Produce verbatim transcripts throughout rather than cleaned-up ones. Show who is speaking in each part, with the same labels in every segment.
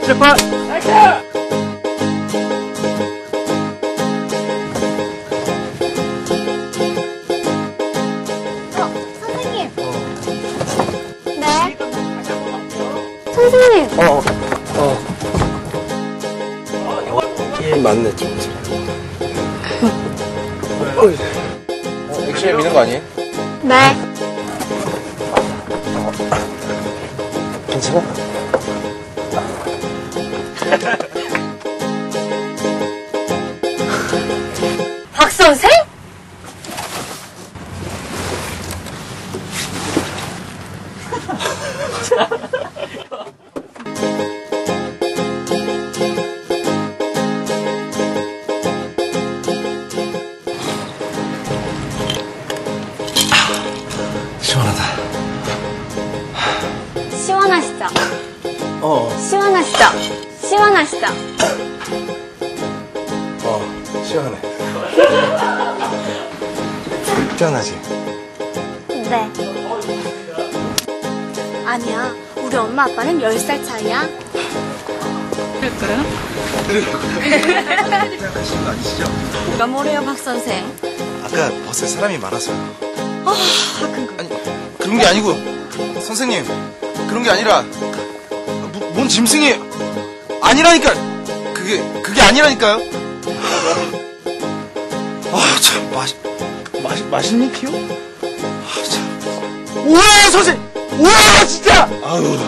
Speaker 1: 출발! 나이스!
Speaker 2: 어, 선생님. 네. 선생님.
Speaker 3: 어, 어. 예, 맞네, 좀. 어, 액션에 미는 거 아니에요?
Speaker 2: 네.
Speaker 3: 괜찮아?
Speaker 2: 박 선생?
Speaker 3: 시원하다.
Speaker 2: 시원하시죠?
Speaker 3: 어,
Speaker 2: 시원하시죠? 시원하시죠?
Speaker 3: 어, 시원해. 시원하지?
Speaker 2: 네. 아니야. 우리 엄마 아빠는 열 살 차이야.
Speaker 4: 그럴까요?
Speaker 3: 생각하시는 거 아니시죠?
Speaker 2: 뭐가 뭐래요, 박 선생?
Speaker 3: 아까 버스에 사람이 많아서요.
Speaker 2: 아, 큰 거.
Speaker 3: 아니, 그런 게 아니고, 선생님, 그런 게 아니라, 뭐, 뭔 짐승이 아니라니까! 그게, 그게 아니라니까요? 아, 참, 맛, 맛, 맛있니, 피요? 아, 참. 우와, 선생님! 우와, 진짜! 아유.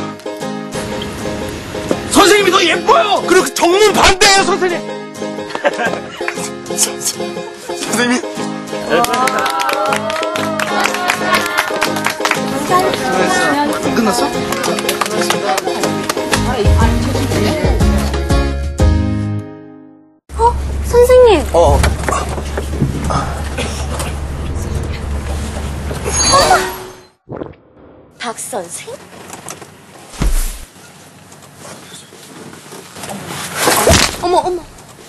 Speaker 3: 선생님이 더 예뻐요! 그리고 정문 반대예요, 선생님! 선생님? 수고했어. 끝났어?
Speaker 2: 어? 선생님.
Speaker 3: 어.
Speaker 2: 박 선생? 어머, 어머.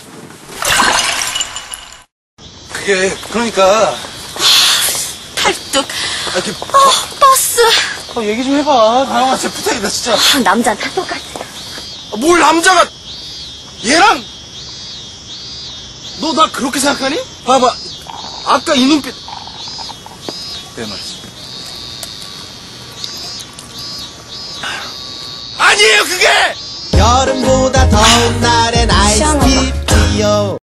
Speaker 3: 그게, 그러니까.
Speaker 2: 팔뚝.
Speaker 3: 아, 이렇게,
Speaker 2: 어, 버스.
Speaker 3: 어, 얘기 좀 해봐. 다영아, 진짜 부탁이다, 진짜.
Speaker 2: 아, 남자는 다 똑같아.
Speaker 3: 뭘 남자가, 얘랑, 너 나 그렇게 생각하니? 봐봐. 아까 이 눈빛. 내 말이지. 아니에요, 그게!
Speaker 5: 여름보다 더운 날엔 아이스티 피요